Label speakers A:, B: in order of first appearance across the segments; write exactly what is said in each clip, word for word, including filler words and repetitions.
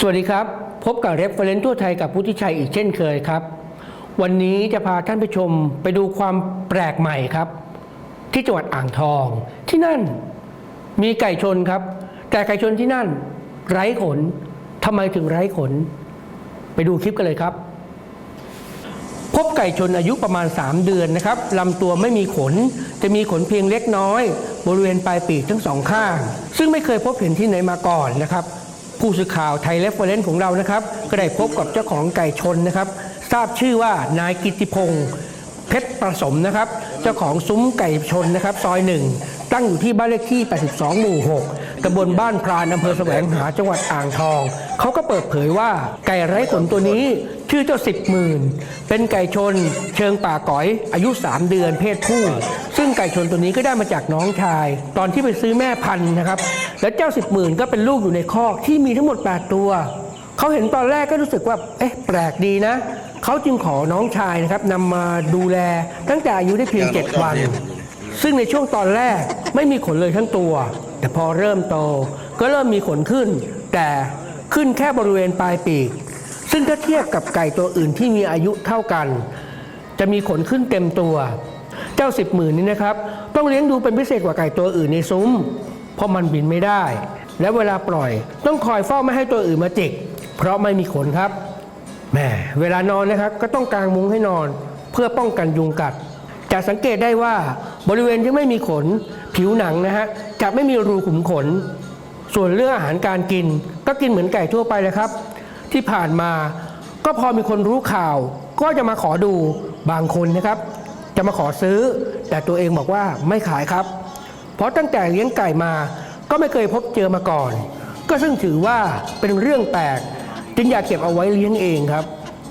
A: สวัสดีครับพบกับ Reference ทั่วไทยกับพุทธิชัยอีกเช่นเคยครับวันนี้จะพาท่านผู้ชมไปดูความแปลกใหม่ครับที่จังหวัดอ่างทองที่นั่นมีไก่ชนครับแต่ไก่ชนที่นั่นไร้ขนทำไมถึงไร้ขนไปดูคลิปกันเลยครับพบไก่ชนอายุประมาณสามเดือนนะครับลำตัวไม่มีขนจะมีขนเพียงเล็กน้อยบริเวณปลายปีกทั้งสองข้างซึ่งไม่เคยพบเห็นที่ไหนมาก่อนนะครับผู้สื่อข่าวไทยเรฟเฟอเรนซ์ของเรานะครับก็ได้พบกับเจ้าของไก่ชนนะครับทราบชื่อว่านายกิตติพงศ์เพชรประสมนะครับเจ้าของซุ้มไก่ชนนะครับซอยหนึ่งตั้งอยู่ที่บ้านเลขที่แปดสิบสองหมู่หกตำบลบ้านพรานอำเภอแสวงหาจังหวัดอ่างทองเขาก็เปิดเผยว่าไก่ไร้ขนตัวนี้ชื่อเจ้าสิบหมื่นเป็นไก่ชนเชิงป่าก๋อยอายุสามเดือนเพศผู้ซึ่งไก่ชนตัวนี้ก็ได้มาจากน้องชายตอนที่ไปซื้อแม่พันธุ์นะครับและเจ้าสิบหมื่นก็เป็นลูกอยู่ในคอกที่มีทั้งหมดแปดตัวเขาเห็นตอนแรกก็รู้สึกว่าเอ๊ะแปลกดีนะเขาจึงขอน้องชายนะครับนำมาดูแลตั้งแต่อายุได้เพียงเจ็ดวันซึ่งในช่วงตอนแรกไม่มีขนเลยทั้งตัวแต่พอเริ่มโตก็เริ่มมีขนขึ้นแต่ขึ้นแค่บริเวณปลายปีกซึ่งถ้าเทียบกับไก่ตัวอื่นที่มีอายุเท่ากันจะมีขนขึ้นเต็มตัวเจ้าสิบหมื่นนี้นะครับต้องเลี้ยงดูเป็นพิเศษกว่าไก่ตัวอื่นในซุ้มเพราะมันบินไม่ได้และเวลาปล่อยต้องคอยเฝ้าไม่ให้ตัวอื่นมาจิกเพราะไม่มีขนครับแหมเวลานอนนะครับก็ต้องกางมุ้งให้นอนเพื่อป้องกันยุงกัดจะสังเกตได้ว่าบริเวณที่ไม่มีขนผิวหนังนะฮะจะไม่มีรูขุมขนส่วนเรื่องอาหารการกินก็กินเหมือนไก่ทั่วไปเลยครับที่ผ่านมาก็พอมีคนรู้ข่าวก็จะมาขอดูบางคนนะครับจะมาขอซื้อแต่ตัวเองบอกว่าไม่ขายครับเพราะตั้งแต่เลี้ยงไก่มาก็ไม่เคยพบเจอมาก่อนก็ซึ่งถือว่าเป็นเรื่องแปลกจึงอยากเก็บเอาไว้เลี้ยงเองครับ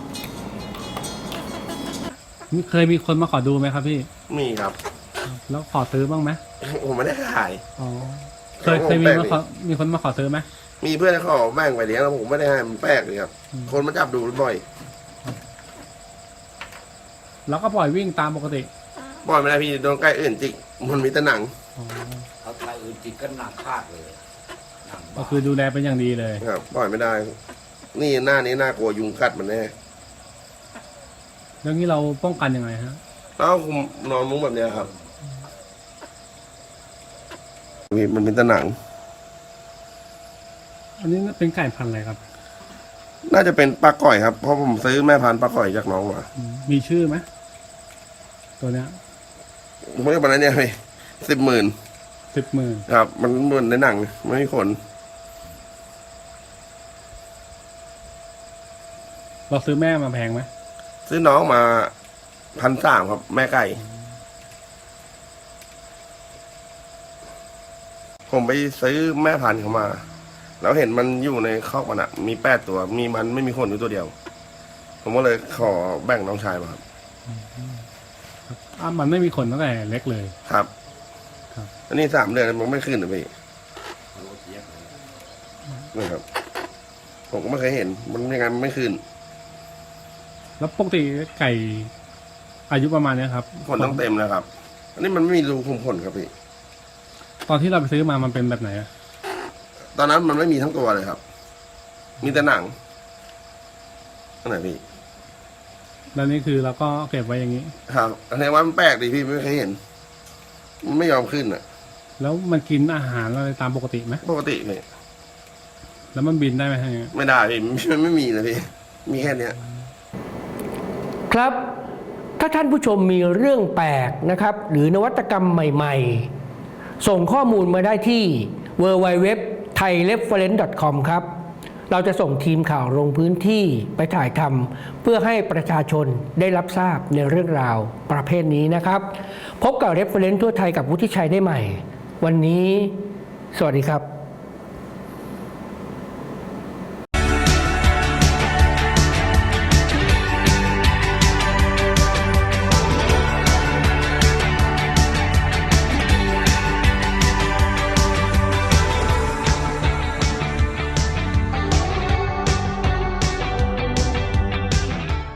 B: เคยมีคนมาขอดูไหมครับพี่
C: มีครับ
B: แล้วขอซื้อบ้างไหม
C: ผมไม่ได้ขาย
B: อ๋อเคยเคยมีมาขอมีคนมาขอซื้อไหม
C: มีเพื่อนเขาแบ่งไปเลี้ยงแล้วผมไม่ได้ให้มันแปลกเลยครับคนมาจับดูบ่อย
B: แล้วก็ปล่อยวิ่งตามปกติ
C: ปล่อยไม่ได้พี่โดนไก่อื่นจิกมันมีแต่หนัง
D: เอาไก่อื่นจิกก็หนักพลาดเลย
B: ก็คือดูแลเป็นอย่างดีเลย
C: ครับปล่อยไม่ได้นี่หน้านี้น่ากลัวยุงกัดมันแน่
B: เรื่องนี้เราป้องกันยังไงฮะ
C: แล้วคุมนอนมุ้งแบบนี้ครับมันเป็นตะหนัง
B: อันนี้เป็นไก่พันธุ์อะไรครับ
C: น่าจะเป็นปลาก่อยครับเพราะผมซื้อแม่พันธุ์ปลาก่อยจากน้องมา
B: มีชื่อไหมตัวเนี้ย
C: ผมไม่ได้บอกนะเนี่ยพี่สิบหมื่น
B: สิบหมื่น
C: ครับมันเหมือนในหนังไม่มีขน
B: เราซื้อแม่มาแพงไหม
C: ซื้อน้องมาพันสามครับแม่ไก่ผมไปซื้อแม่พันธุ์เขามาแล้วเห็นมันอยู่ในคอกมันอะมีแปดตัวมีมันไม่มีขนอยู่ตัวเดียวผมก็เลยขอแบ่งน้องชายมาครับ
B: อ่ะมันไม่มีขนตั้งแต่เล็กเลย
C: ครับครับอันนี้สามเดือนมันไม่ขึ้นหรือพี่นี่ครับผมก็ไม่เคยเห็นมันยังไงมันไม่ขึ้น
B: แล้วปกติไก่อายุประมาณนี้ครับ
C: ขนต้องเต็มแล้วครับอันนี้มันไม่มีรูคุมขนครับพี่
B: ตอนที่เราไปซื้อมามันเป็นแบบไหนอะ
C: ตอนนั้นมันไม่มีทั้งตัวเลยครับมีแต่หนังอันไหนพี่
B: แล้วนี่คือเราก็เก็บไว้อย่างนี้
C: ครับอันนี้ว่ามันแปลกดีพี่ไม่เคยเห็นมันไม่ยอมขึ้นอะ
B: แล้วมันกินอาหารอะไรตามปกติไหม
C: ปกติพี่
B: แล้วมันบินได้ไหมฮะ
C: ไม่ได้พี่มันไม่มีเลยพี่มีแค่เนี้ย
A: ครับถ้าท่านผู้ชมมีเรื่องแปลกนะครับหรือนวัตกรรมใหม่ๆส่งข้อมูลมาได้ที่ ดับเบิลยู ดับเบิลยู ดับเบิลยู ดอท ไทยเรฟเฟอเรนซ์ ดอท คอม ครับเราจะส่งทีมข่าวลงพื้นที่ไปถ่ายทำเพื่อให้ประชาชนได้รับทราบในเรื่องราวประเภทนี้นะครับพบกับ Reference ทั่วไทยกับวุฒิชัยได้ใหม่วันนี้สวัสดีครับ